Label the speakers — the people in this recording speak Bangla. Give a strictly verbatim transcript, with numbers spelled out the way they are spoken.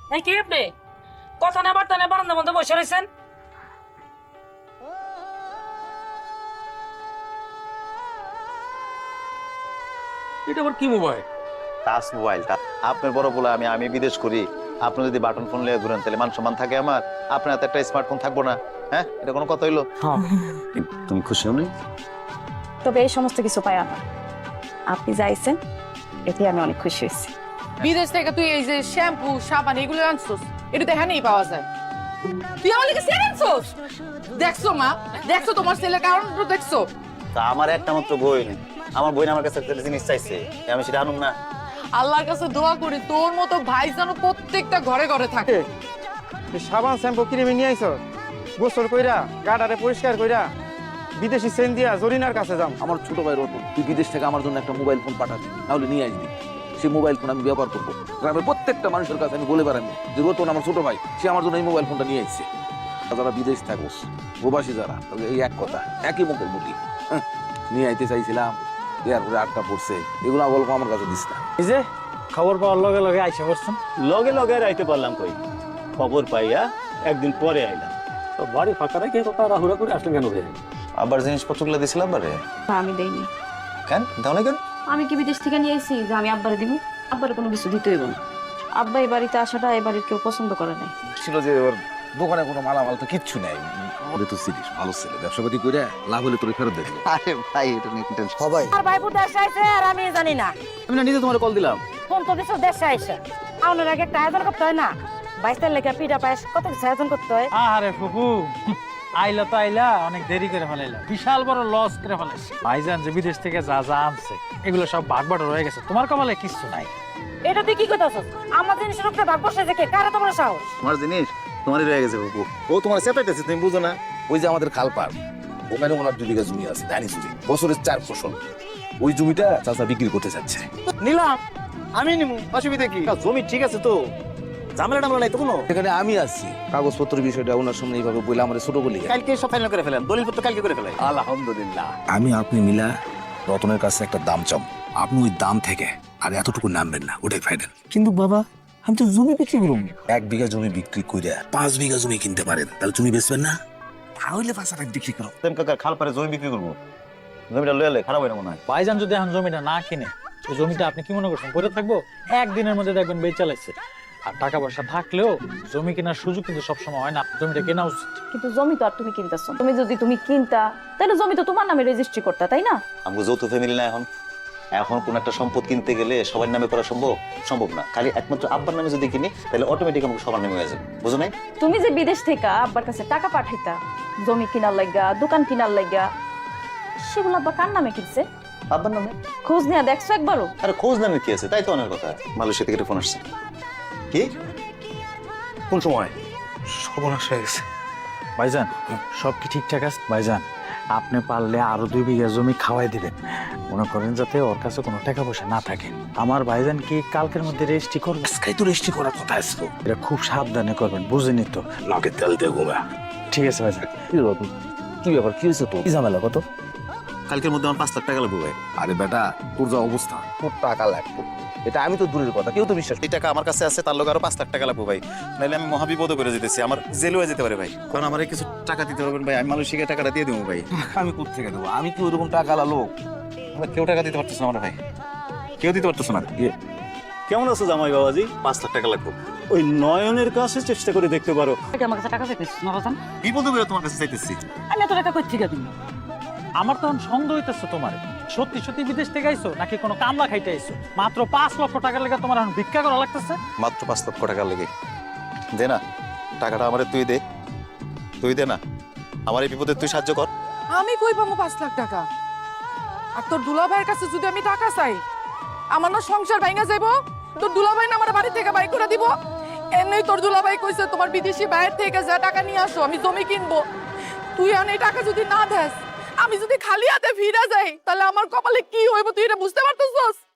Speaker 1: এই কি আপনি কথা না বার্তা না বারান্দার মধ্যে বসে রয়েছেন?
Speaker 2: এটা আবার কি মোবাইল?
Speaker 3: Touch mobile. আপনার বড় বলে আমি আমি বিদেশ করি, আপনি যদি বাটন ফোন লিয়ে ঘুরেন তাহলে মান সম্মান থাকে আমার, আপনার হাতে একটা স্মার্টফোন থাকবো না? হ্যাঁ, এটা কোনো কথা হইলো? তুমি খুশি হও নি?
Speaker 4: তবে এই সমস্ত কিছু পাই না, আপনি যাইছেন এতে আমি অনেক খুশি হয়েছি।
Speaker 5: বিদেশ থেকে তুই এই যে শ্যাম্পু সাবান এগুলো আনছোস, এটা তো এখানেই পাওয়া যায়। তুই আমার লিখে সেল আনছোস? দেখছো মা, দেখছো তোমার ছেলের কারণ দেখছো?
Speaker 3: তা আমার একটা মাত্র বই, আমার বই আমার কাছে একটা জিনিস চাইছে, আমি সেটা আনুম না?
Speaker 5: আল্লাহর কাছে দোয়া করি তোর মতো ভাই যেন প্রত্যেকটা ঘরে ঘরে থাকে।
Speaker 6: সাবান শ্যাম্পু কিনে নিয়ে আইছ, গোসল কইরা গাডারে পরিষ্কার কইরা বিদেশি সেন দিয়া জরিনার কাছে যাম।
Speaker 2: আমার ছোট ভাই রতন, তুই বিদেশ থেকে আমার জন্য একটা মোবাইল ফোন পাঠাবি, তাহলে নিয়ে আসবি। সেই মোবাইল ফোন আমি ব্যবহার করবো, গ্রামের প্রত্যেকটা মানুষের কাছে আমি বলে বেড়াবো যে রতন আমার ছোট ভাই, সে আমার জন্য এই মোবাইল ফোনটা নিয়ে আসছে। যারা বিদেশ থাকোস, প্রবাসী যারা, তাহলে এই এক কথা, একই মঙ্গল মুটি নিয়ে আইতে চাইছিলাম, এরপরে আটকা পড়ছে, এগুলো গল্প আমার কাছে দিস না।
Speaker 6: এই যে খবর পাওয়ার লগে লগে আইসা পড়ছেন।
Speaker 7: লগে লগে রাইতে পারলাম কই, খবর পাইয়া একদিন পরে আইলাম।
Speaker 6: তো বাড়ি ফাঁকা রেখে তো তাড়াহুড়া করে আসলেন কেন?
Speaker 3: আবার জিনিসপত্রগুলো দিছিলাম বারে?
Speaker 4: আমি দেইনি।
Speaker 3: কেন তাহলে কেন?
Speaker 4: আমি কি বিদেশ থেকে নিয়ে এসেছি যে আমি আব্বারে দিব? আব্বারে কোনো কিছু দিতে হইব না। আব্বা এই বাড়িতে আসাটা এই বাড়ির কেউ পছন্দ করে নাই।
Speaker 2: ছিল যে ওর দোকানে কোনো মালামাল তো কিচ্ছু নেই, ওরে তো চিনিস, ভালো ছেলে, ব্যবসাপাতি করে লাভ হলে তোর ফেরত দেবে।
Speaker 3: আরে ভাই, এটা নিয়ে টেনশন
Speaker 2: সবাই
Speaker 8: আর ভাইপু দেশে আইছে আর আমি জানি না।
Speaker 2: আমি না নিজে তোমার কল দিলাম।
Speaker 8: ফোন তো দিছো দেশে আইসা, আউনের আগে একটা আয়োজন করতে হয় না? বাইশটার লেখা পিঠা পায়েস কত কিছু আয়োজন করতে হয়।
Speaker 6: আরে ফুফু, আইলা তো আইলা অনেক দেরি করে ফেলাইলা, বিশাল বড় লস করে ফেলাইছে। ভাইজান যে বিদেশ থেকে যা যা আনছে এগুলো সব ভাগ বাট রয়ে গেছে, তোমার কপালে কিছু নাই।
Speaker 8: এটা তুই কি কইতাছস? আমার জিনিসের উপরে ভাগ বসে যে কে, কারে তোমার সাহস?
Speaker 3: তোমার জিনিস তোমারই রয়ে গেছে বাবু, ও তোমার চেপাইতেছে, তুমি বুঝো না?
Speaker 2: ওই যে আমাদের খালপাড়, ওখানে ওনার দুই বিঘা জমি আছে, ধানি জমি, বছরের চার ফসল। ওই জমিটা চাচা বিক্রি করতে যাচ্ছে।
Speaker 6: নিলাম, আমি নিমু, অসুবিধা কি? জমি ঠিক আছে তো, ঝামেলা টামেলা নাই তো কোনো?
Speaker 2: এখানে আমি আছি, কাগজপত্রের বিষয়টা ওনার সামনে এইভাবে বলে আমার ছোট বলি।
Speaker 6: কালকে সব ফাইনাল করে ফেলেন, দলিলপত্র কালকে করে ফেলেন।
Speaker 2: আলহামদুলিল্লাহ। আমি আপনি মিলা রতনের কাছে একটা দাম চাম, আপনি ওই দাম থেকে আর এতটুকু নামবেন না, ওটাই ফাইনাল। কিন্তু বাবা, আমি তো জমি বিক্রি করুন, এক বিঘা জমি বিক্রি করে পাঁচ বিঘা জমি কিনতে পারেন, তাহলে জমি বেচবেন না? তাহলে পাঁচ হাজার বিক্রি করো।
Speaker 3: তেম কাকার খাল পারে জমি বিক্রি করবো, জমিটা লয়ে এলে খারাপ হয় না মনে হয়?
Speaker 6: ভাইজান যদি এখন জমিটা না কিনে, ওই জমিটা আপনি কি মনে করছেন পড়ে থাকবো? একদিনের মধ্যে দেখবেন বেচ চালাইছে। আর টাকা পয়সা থাকলেও জমি কেনার সুযোগ কিন্তু সবসময় হয় না, জমিটা কেনা উচিত।
Speaker 4: কিন্তু জমি তো আর তুমি কিনতেছো, তুমি যদি তুমি কিনতা তাহলে জমি তো তোমার নামে রেজিস্ট্রি করতা, তাই না?
Speaker 3: আমাকে যৌথ ফ্যামিলি না এখন, এখন কোন একটা সম্পদ কিনতে গেলে সবার নামে করা সম্ভব সম্ভব না। খালি একমাত্র আব্বার নামে যদি কিনি তাহলে অটোমেটিক আমাকে সবার নামে হয়ে যাবে, বুঝো নাই?
Speaker 4: তুমি যে বিদেশ থেকে আব্বার কাছে টাকা পাঠাইতা জমি কিনার লাগা, দোকান কিনার লাগা, সেগুলো আব্বা কার নামে কিনছে?
Speaker 3: আব্বার নামে।
Speaker 4: খোঁজ নিয়ে দেখছো একবারও?
Speaker 3: আরে খোঁজ নামে কি আছে, তাই তো অনেক কথা। মালয়েশিয়া থেকে ফোন আসছে। কি? কোন সময়?
Speaker 6: সর্বনাশ হয়ে গেছে। ভাইজান, সব কি ঠিকঠাক আছে? ভাইজান, আপনি পারলে আরো দুই বিঘা জমি খাওয়াই দিবেন, মনে করেন যাতে ওর কাছে কোনো টাকা পয়সা না থাকে। আমার ভাইজান কি কালকের মধ্যে রেজিস্ট্রি করবে?
Speaker 2: আজকাই তো রেজিস্ট্রি করার কথা আসলো।
Speaker 6: এটা খুব সাবধানে করবেন, বুঝেনি তো?
Speaker 2: নাকে তেল দিয়ে ঘুমা।
Speaker 6: ঠিক আছে ভাইজান।
Speaker 2: কি রতন, কি ব্যাপার, কি হয়েছে তোর? কি ঝামেলা কত?
Speaker 3: কালকের মধ্যে আমার পাঁচ লাখ টাকা লাগবে ভাই।
Speaker 2: আরে বেটা, তোর যা অবস্থা, তোর টাকা লাগবে, এটা আমি তো দূরের কথা, কেউ তো বিশ্বাস।
Speaker 3: এই টাকা আমার কাছে আছে, তার লোক আরো পাঁচ লাখ টাকা লাগবে ভাই, নাহলে আমি মহাবিপদ করে যেতেছি, আমার জেল হয়ে যেতে পারে ভাই। কারণ আমার কিছু টাকা দিতে পারবেন ভাই, আমি মালয়েশিয়াকে টাকাটা দিয়ে দেবো ভাই।
Speaker 2: আমি কোথা থেকে দেবো? আমি কি ওরকম টাকা লোক?
Speaker 3: কেউ টাকা দিতে পারতেছে না আমার ভাই, কেউ দিতে পারতেছে না।
Speaker 7: কেমন আছো জামাই বাবাজি?
Speaker 3: পাঁচ লাখ টাকা লাগবে।
Speaker 7: ওই নয়নের কাছে চেষ্টা করে দেখতে পারো।
Speaker 8: আমার কাছে টাকা চাইতেছিস না বাজান?
Speaker 3: বিপদ করে তোমার কাছে চাইতেছি।
Speaker 8: আমি এত টাকা কই থেকে দিব?
Speaker 6: আমার তখন সন্দেহ হইতেছে তোমার, সত্যি সত্যি বিদেশ থেকে আইছো নাকি কোনো কামলা খাইতে আইছো? মাত্র পাঁচ লক্ষ টাকা লেগে তোমার এখন ভিক্ষা করা লাগতেছে?
Speaker 3: মাত্র পাঁচ লক্ষ টাকা লেগে দে না, টাকাটা আমারে তুই দে, তুই দে না, আমার এই বিপদে তুই সাহায্য কর।
Speaker 5: আমি কই পাবো পাঁচ লাখ টাকা? আর তোর দুলাভাইয়ের কাছে যদি আমি টাকা চাই, আমার না সংসার ভাঙা যাইবো? তোর দুলাভাই না আমার বাড়ি থেকে বাই করে দিব? এমনি তোর দুলাভাই কইছে তোমার বিদেশি বাইরে থেকে যা টাকা নিয়ে আসো, আমি জমি কিনবো। তুই এখন এই টাকা যদি না দেস, আমি যদি খালি হাতে ফিরে যাই, তাহলে আমার কপালে কি হইব তুই এটা বুঝতে পারতেছস?